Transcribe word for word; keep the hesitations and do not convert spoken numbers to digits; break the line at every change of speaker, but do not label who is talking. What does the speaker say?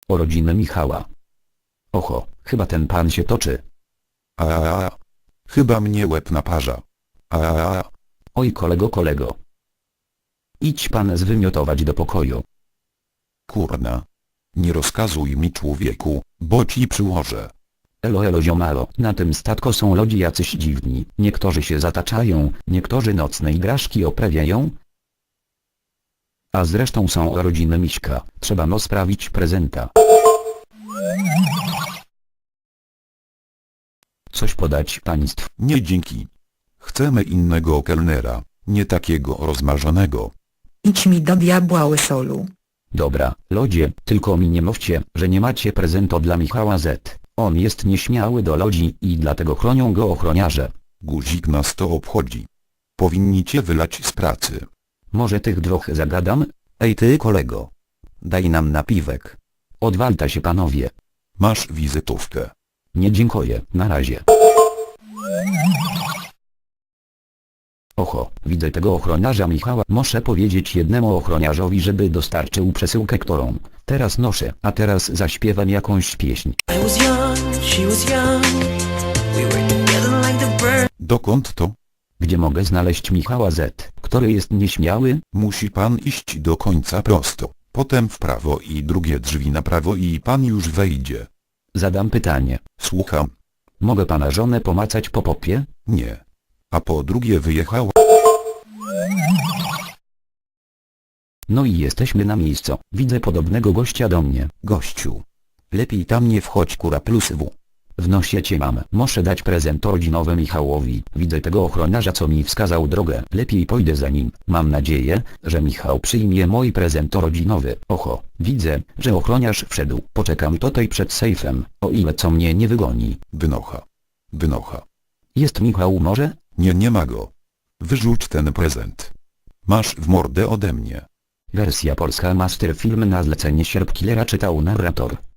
Urodziny Michała. Oho, chyba ten pan się toczy.
A, a, a. Chyba mnie łeb naparza. A, a, a.
Oj kolego kolego. Idź pan zwymiotować do pokoju.
Kurna. Nie rozkazuj mi człowieku, bo ci przyłożę.
Elo elo ziomalo, na tym statku są ludzie jacyś dziwni, niektórzy się zataczają, niektórzy nocne igraszki oprawiają. A zresztą są urodziny Miśka, trzeba no sprawić prezenta. Coś podać państwu?
Nie dzięki. Chcemy innego kelnera, nie takiego rozmarzonego.
Idź mi do diabła łysolu.
Dobra, lodzie, tylko mi nie mówcie, że nie macie prezentu dla Michała Z. On jest nieśmiały do ludzi i dlatego chronią go ochroniarze.
Guzik nas to obchodzi. Powinni cię wylać z pracy.
Może tych dwóch zagadam?
Ej ty kolego. Daj nam napiwek.
Odwalta się panowie.
Masz wizytówkę.
Nie dziękuję, na razie. Oho, widzę tego ochroniarza Michała. Muszę powiedzieć jednemu ochroniarzowi, żeby dostarczył przesyłkę, którą teraz noszę, a teraz zaśpiewam jakąś pieśń.
I was young, she was young. We were together like the bird.
Dokąd to?
Gdzie mogę znaleźć Michała Z, który jest nieśmiały?
Musi pan iść do końca prosto, potem w prawo i drugie drzwi na prawo i pan już wejdzie.
Zadam pytanie.
Słucham.
Mogę pana żonę pomacać po popie?
Nie. A po drugie wyjechała.
No i jesteśmy na miejscu. Widzę podobnego gościa do mnie.
Gościu. Lepiej tam nie wchodź kura plus w.
W nosie cię mam. Muszę dać prezent rodzinowy Michałowi. Widzę tego ochroniarza, co mi wskazał drogę. Lepiej pójdę za nim. Mam nadzieję, że Michał przyjmie mój prezent rodzinowy. Oho, widzę, że ochroniarz wszedł. Poczekam tutaj przed sejfem, o ile co mnie nie wygoni.
Wynocha. Wynocha.
Jest Michał może?
Nie, nie ma go. Wyrzuć ten prezent. Masz w mordę ode mnie.
Wersja polska Master Film na zlecenie Sierp Killera czytał narrator.